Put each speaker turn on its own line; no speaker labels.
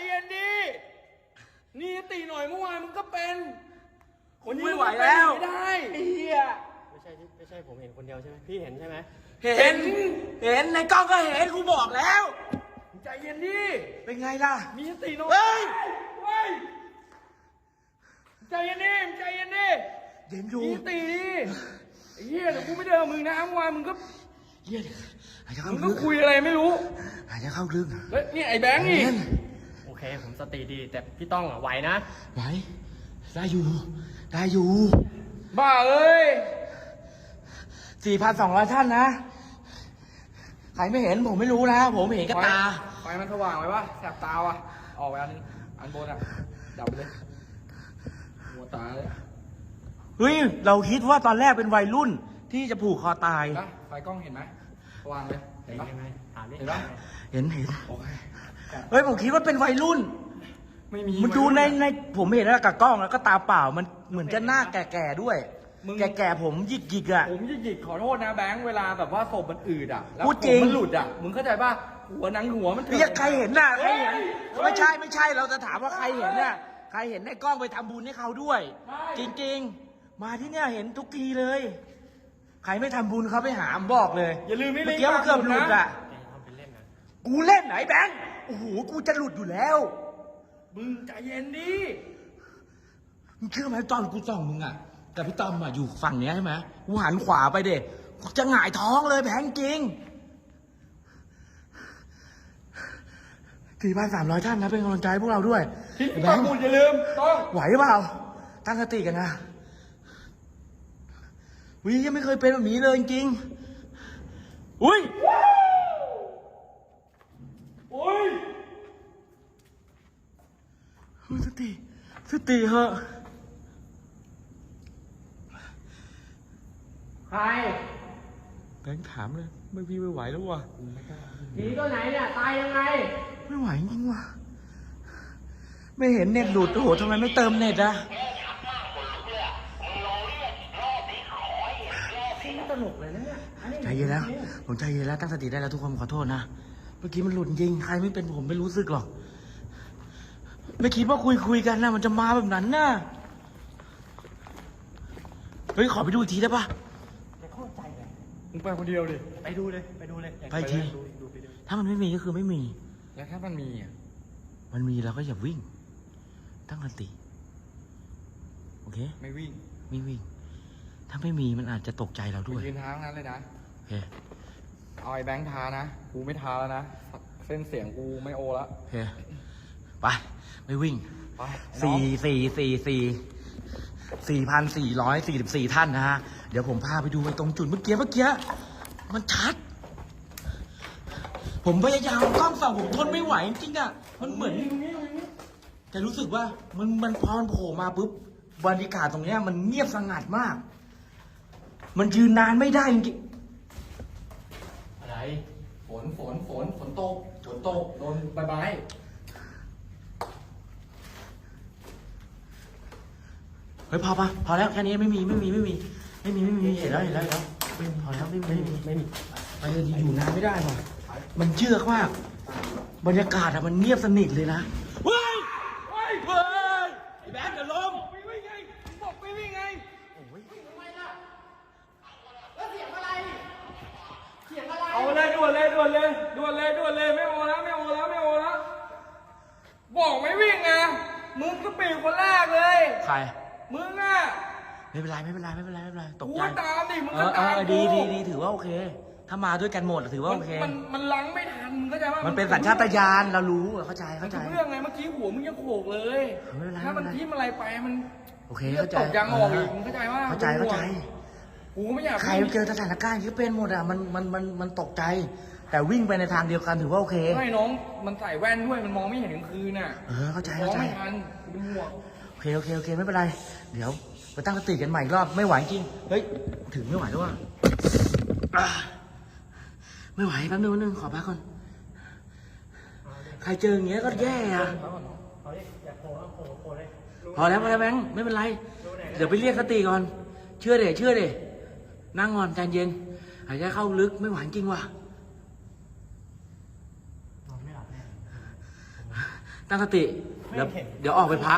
เย็นดินี่ตีหน่อยเมื่อวานมึงก็เป็นคนนี้
ไม่ไหวแล้ว
ไม่ได้ไอ้เหี้ย
ไม่ใช่ผมเห็นคนเดียวใช่ไหมพี่เห็นใช่ไหม
เห็นในกล้องก็เห็นกูบอกแล้ว
ใจเย็นดิ
เป็นไงล่ะ
มีสติหน่อย
เฮ้ย
เฮ้ยใจเย็นดิใจเย็นดิ
เย็นอยู่
มีสติดิไอ้เหี้ยเดี๋ยวกูไม่เดินกับมึงนะเมื่อวานมึงก็
เย็นหายใจเข้า
มึงก็
ลึก
คุยอะไรไม่รู้
หายใจเข้าลึก
แล้วนี่ไอ้แบงค์นี่
เย็น
โอเคผมสติดีแต่พี่ต้องไหวนะ
ไหวได้อยู่ได้อยู่
บ้าเอ้ย
4,200 ท่านนะใครไม่เห็นผมไม่รู้นะผมเห็นกับตา
ไฟมันสว่างไหมวะแสบตาว่ะออกไปอันนึงอันบนอ่ะดับไปเลยหัวตาเลย
เฮ้ยเราคิดว่าตอนแรกเป็นวัยรุ่นที่จะผูกคอตาย
นะไฟกล้องเห็นไหมสว่างเลยเห็นปะ
ยังไงถามดิ
เห็นปะ
เห็น
โอเค
เฮ้ยผมคิดว่าเป็นวัยรุ่น
ไม่มี
มันดูในผมเห็นแล้วกับกล้องแล้วก็ตาเปล่ามันเหมือนจะหน้าแก่ๆด้วย แก่ๆผมหยิกๆอ่ะ
ผมหยิกๆขอโทษนะแบงค์เวลาแบบว่าศพมันอืดอ่ะแล้ว
พูดจริง
ผมมันหลุดอ่ะมึงเข้าใจป่ะหัวหนังหัวมัน
เรียกใครเห็นน่ะใครเห็นไม่ใช่เราจะถามว่าใครเห็นน่ะใครเห็นในกล้องไปทำบุญให้เขาด้วย จริงๆมาที่เนี่ยเห็นทุกทีเลย ใครไม่ทำบุญเขาไปหามบอกเลย
อย่าลืมไม่
เมื่
ลิ
อง กี้มันเกือบหลุดอ่ะ
แกทำเป็นเล่นนะ
กูเล่นไหนแบงค์โอ้โหกูจะหลุดอยู่แล้ว
มึงใจเย็นดิ
มึงเชื่อไหมตอนกูส่องมึงอ่ะกับพี่ต้อมอ่ะอยู่ฝั่งเนี้ยใช่ไหมกูหันขวาไปเด็กจะหงายท้องเลยแบงค์จริง4,300 ท่านนะเป็นกำลังใจให้พวกเราด้วย
ที่
แบ
ต้อง
งค์
พูดอย่าลืมต้อง
ไหวเปล่าตั้งสติกันนะวิยังไม่เคยเป็นแบบนี้เลยจริงๆอุ้ย
โอ้ย
สติเหอะ
ใคร
แบงค์ถามเลยไม่พี่ไม่ไหวแล้วว่ะ
ผีตัวไหนเนี่ยตายยังไง
ไม่ไหวจริงว่ะไม่เห็นเน็ตหลุดโอ้โหทำไมไม่เติมเน็ตอะ
ไม่ตลกเลยนะเนี่ยอันนี้
ใจเย็นแล้วผมใจเย็นแล้วตั้งสติได้แล้วทุกคนขอโทษนะเมื่อกี้มันหลุดจริงใครไม่เป็นผมไม่รู้สึกหรอกไม่คิดว่าคุยกันนะมันจะมาแบบนั้นนะเฮ้ยขอไปดูอีกทีได้ปะ
แกเข้าใจเลย
มึงไปคนเดียวดิ
ไปดูเลยอยาก
ไปที
ดูไปดู
ถ้ามันไม่มีก็คือไม่มี
แล้วถ้ามันมีอ่ะ
มันมีเราก็อย่าวิ่งตั้งสติโอเค
ไม่วิ่ง
ไม่วิ่ง ถ้าไม่มีมันอาจจะตกใจเราด้วย
ยืนท้าทั้งนั้นเลยนะ
โอเค
เอาไอ้แบงค์ทานะกูไม่ทาแล้วนะเส้นเสียงกูไม่โอละ
โอเคไปไม่วิ่ง
ไปไอ้น้อง
4,444 ท่านนะฮะเดี๋ยวผมพาไปดูไปตรงจุดเมื่อกี้มันชัด ผมพยายามกล้องส่องผมทนไม่ไหวจริงๆอ่ะมันเหมือนแต่รู้สึกว่ามันพอมันโผล่มาปุ๊บบรรยากาศตรงเนี้ยมันเงียบสงัดมาก มันยืนนานไม่ได้จริง
อะไร
ฝนตกโดนใบไม้
เฮ้ยพอแล้วแค่นี้ไม่มีเห็นแล้วพอแล้วไม่มี
ไม่มี
ไปเลยดีอยู่นานไม่ได้ว่ะมันเชือกมากบรรยากาศอะมันเงียบสนิทเลยนะเฮ้ยไอ้แบงค์จะล้ม
ไม่วิ่งไงบอกไม่วิ่งไงเอาเลยด่วนเลยไม่โอแล้วบอกไม่วิ่งไงมึงก็ปีคนแรกเลย
ใคร
มึงอ่ะ
ไม่เป็นไรตก
กู
ใจ
ตามดิมึงก็ตาม
ดี
กู
ถือว่าโอเค ถ้ามาด้วยกันหมดถือว่าโอเค
มันล้างไม่ทันมึงเข้าใจป่ะ
มันเป็นสัญชาตญาณเรารู้เข้าใจ
มันทุกเรื่องไงเมื่อกี้หัวมึงยังโขกเลย
ไม่เป็นไร
ถ้ามันทิ่มอะไรไปมัน
โอเค
เลือ
เข้า
ด
ใจ
ตกยางออกอีกมึงเข้าใจว่า
เข้าใจ
กูไม่อยาก
ใครเจอสถานการณ์ที่เป็นหมดอะมันตกใจ แต่วิ่งไปในทางเดียวกันถือว่าโอเค
ไม่น้องมันใส่แว่นด้วยมันมองไม่เห็นกลางคืนน่ะ
เข้าใจ
มองไม่ทันกูเป็นห่วง
โอเคไม่เป็นไรเดี๋ยวไปตั้งสติกันใหม่อีกรอบไม่ไหวจริงเฮ้ยถึงไม่ไหวแล้วว่ะไม่ไหวแป๊บนึงขอพักก่อนใครเจออย่างเงี้ยก็แย่อะ
เขาอยากโผล่เลย
พอแล้วแบงค์ไม่เป็นไรเดี๋ยวไปเรียกสติก่อนเชื่อเดนั่งก่อนใจเย็นหายใจเข้าลึกไม่ไหวจริงว่ะ
นอนไม่หลับแน่
ตั้งสติ
ไม่
เดี๋ยว
เห็น
เดี๋ยวออกไปพัก